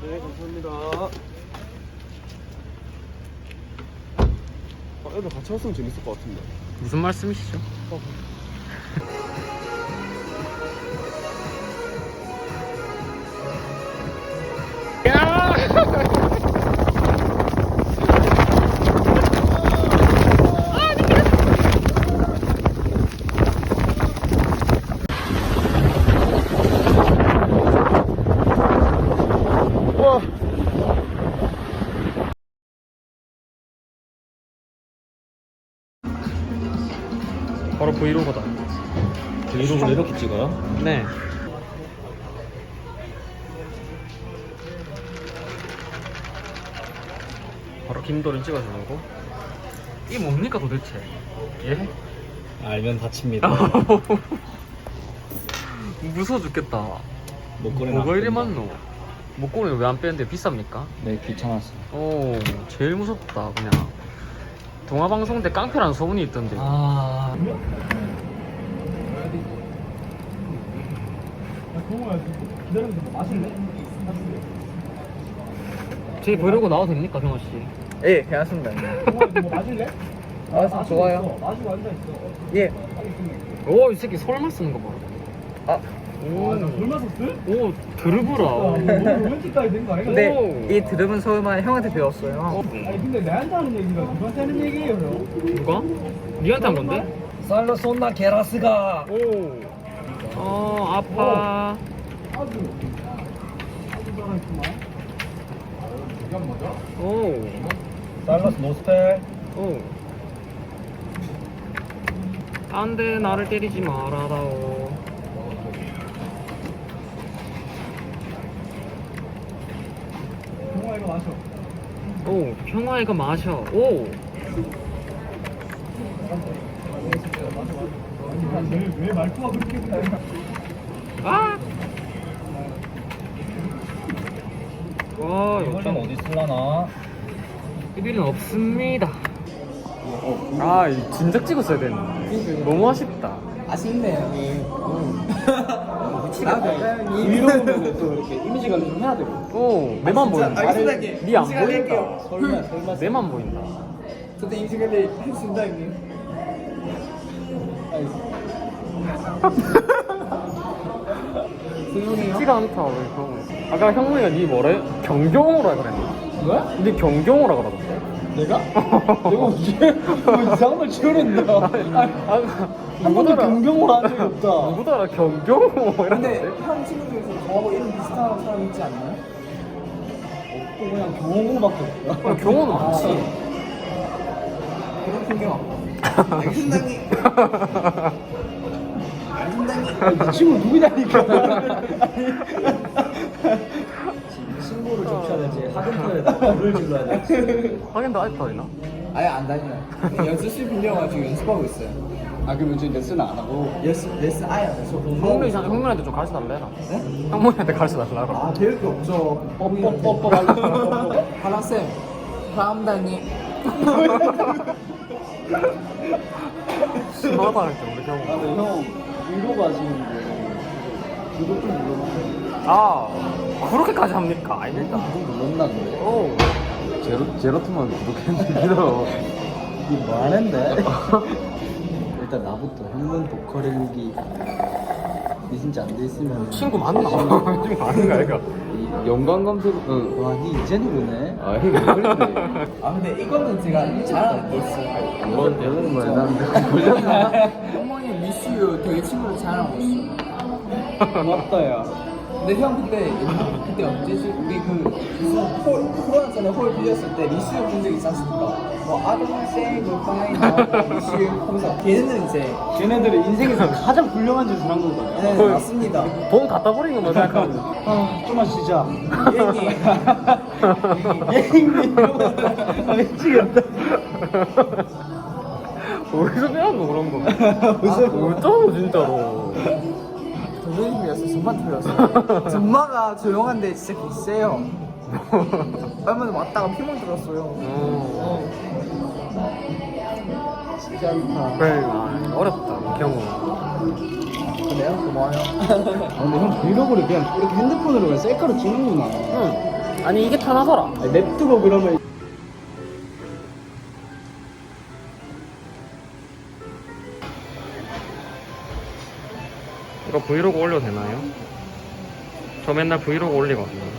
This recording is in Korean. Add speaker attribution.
Speaker 1: 네, 감사합니다. 애들 같이 왔으면 재밌을 것 같은데.
Speaker 2: 무슨 말씀이시죠? 바로 브이로그다.
Speaker 1: 브이로그를 이렇게 찍어요?
Speaker 2: 네. 바로 김도를 찍어주는 거. 이게 뭡니까 도대체? 예?
Speaker 1: 알면 다칩니다.
Speaker 2: 무서워 죽겠다.
Speaker 1: 목걸이는
Speaker 2: 뭐가
Speaker 1: 안
Speaker 2: 이리
Speaker 1: 뺀다.
Speaker 2: 많노? 목걸이는 왜 안 빼는데 비쌉니까?
Speaker 1: 네, 귀찮았어.
Speaker 2: 오, 제일 무섭다 그냥. 동화방송 때 깡패라는 소문이 있던데.
Speaker 1: 아.
Speaker 2: 저희 브이로그 나와도 됩니까, 경호 씨?
Speaker 3: 예, 괜찮습니다.
Speaker 4: 뭐 마실래?
Speaker 3: 아, 좋아요.
Speaker 4: 마시고 앉아있어.
Speaker 3: 예.
Speaker 2: 오, 이 새끼 설마 쓰는 거 봐.
Speaker 3: 아,
Speaker 2: 오,
Speaker 4: 얼마 썼어?
Speaker 2: 오, 드르브라.
Speaker 4: 로맨틱까지 된 거 아니야?
Speaker 3: 근데
Speaker 2: 오.
Speaker 3: 이 들으면 서울만 형한테 배웠어요.
Speaker 4: 아니 근데 내한테 하는 얘기가 누구한테 하는 얘기예요 형?
Speaker 2: 누가? 니한테 한 건데?
Speaker 3: 살로손나 게라스가.
Speaker 2: 오. 아파.
Speaker 4: 아주 살아있구만. 이건 뭐죠?
Speaker 2: 오.
Speaker 3: 살로스 노스펠.
Speaker 2: 오. 안 돼, 나를 때리지 말아다오.
Speaker 4: 동아 이거 마셔.
Speaker 2: 오, 평화이가 마셔. 오.
Speaker 4: 왜 말투가 그렇게 그래?
Speaker 2: 아! 와,
Speaker 1: 이거는 어디 쓸라나?
Speaker 2: 비빌은 없습니다. 아, 진작 찍었어야 되는데. 너무 아쉽다.
Speaker 3: 아쉽네, 형님.
Speaker 1: 브이로그는 또 이렇게 이미지 관리 좀 해야 되고.
Speaker 2: 오, 내만 보인다.
Speaker 3: 알겠습니다.
Speaker 2: 니안
Speaker 3: 인식을
Speaker 2: 보인다.
Speaker 3: 할게요.
Speaker 1: 설마.
Speaker 2: 내만 보인다.
Speaker 3: 저도 인식을 했습니다, 형님. 조용해요.
Speaker 2: 티가 않다, 왜 그런 거. 아까 형무이가 니 뭐래? 경경호라 그랬나?
Speaker 1: 뭐야?
Speaker 2: 니 경경호라 그러던데.
Speaker 1: 내가? 내가 언제 뭐 이상한 걸 지어냈나? 한 번도 경경을 한 적이 없다.
Speaker 2: 누구더라? 경경호
Speaker 3: 근데
Speaker 2: 이랬는데.
Speaker 3: 형 친구 중에서 저하고 이름 비슷한 사람 있지 않나요?
Speaker 1: 없고 그냥 경호밖에 없다.
Speaker 2: 아, 경호는 많지.
Speaker 3: 그런 풍경 없고. 알겠습니다, 형님.
Speaker 1: 이 친구 누구냐니까. 친구를 접셔야 되지. 하근표에다 불을 질러야 되지.
Speaker 2: 하긴 나 아직도 아니나?
Speaker 3: 아예 안 다녀요. 연습실 빌려가지고 연습하고 있어요.
Speaker 1: 아 그러면 지금 레슨은 안 하고?
Speaker 3: 레슨 아예 안 해서
Speaker 2: 형문이한테 좀 가르쳐 달래라. 형문이한테 가르쳐 달라고.
Speaker 3: 아, 배울 게 없죠.
Speaker 1: 뻑뻑뻑뻑 하고.
Speaker 3: 하나쌤, 다음단이.
Speaker 2: 심하다 할때 우리
Speaker 1: 아
Speaker 2: 경호.
Speaker 1: 근데 형 브이로그 하시는데 구독 좀 눌러주세요.
Speaker 2: 아, 그렇게까지 합니까? 아닙니다.
Speaker 1: 구독 눌렀나 근데?
Speaker 2: 오.
Speaker 1: 제로투만 구독했는데 기다려. 이게 뭐 하는데? 일단 나부터 형문 보컬 일기 리신지 안 돼 있으면
Speaker 2: 친구 맞나? 친구 맞는가 이거?
Speaker 1: 연관 검색 와니 이제는 보네. 아 이게 왜 그랬네.
Speaker 3: 아, 근데 이거는 제가 잘하는 게 있어요.
Speaker 1: 이건 이거는 뭐야 난 걸렸나?
Speaker 3: 어머니 미스유 되게 친구를 잘하고 있어.
Speaker 1: 맞다 야.
Speaker 3: 근데 형 그때 언제지? 우리 그 무슨 홀 코로나 전에 홀 빌렸을 때 미스유 본 적 있지 않습니까? 뭐 아동생 고파이나 미스유 하면서 걔네는 이제
Speaker 1: 걔네들이 인생에서 가장 훌륭한 짓을 한 거거든.
Speaker 3: 네, 맞습니다.
Speaker 2: 돈 갖다 버린 것만 생각하면.
Speaker 1: 아 좀만 쉬자.
Speaker 3: 얘기.
Speaker 1: 예행님 아 미치겠다.
Speaker 2: 어디서 배웠노 그런 거? 어쩌노 진짜로.
Speaker 3: 선생님이었어. 전마 틀렸어. 전마가 조용한데 진짜 개쎄요. 얼마 전에 왔다가 피멍 들었어요.
Speaker 1: 쉽지 않다.
Speaker 2: 그래, 아, 어렵다 경우.
Speaker 3: 그래요? 고마워요.
Speaker 1: 아, 근데 형 브이로그를 그냥 이렇게 핸드폰으로 그냥 셀카로 찍는구나.
Speaker 2: 응. 아니 이게 편하더라.
Speaker 1: 아니, 냅두고 그러면
Speaker 2: 이거 브이로그 올려도 되나요? 저 맨날 브이로그 올리거든요.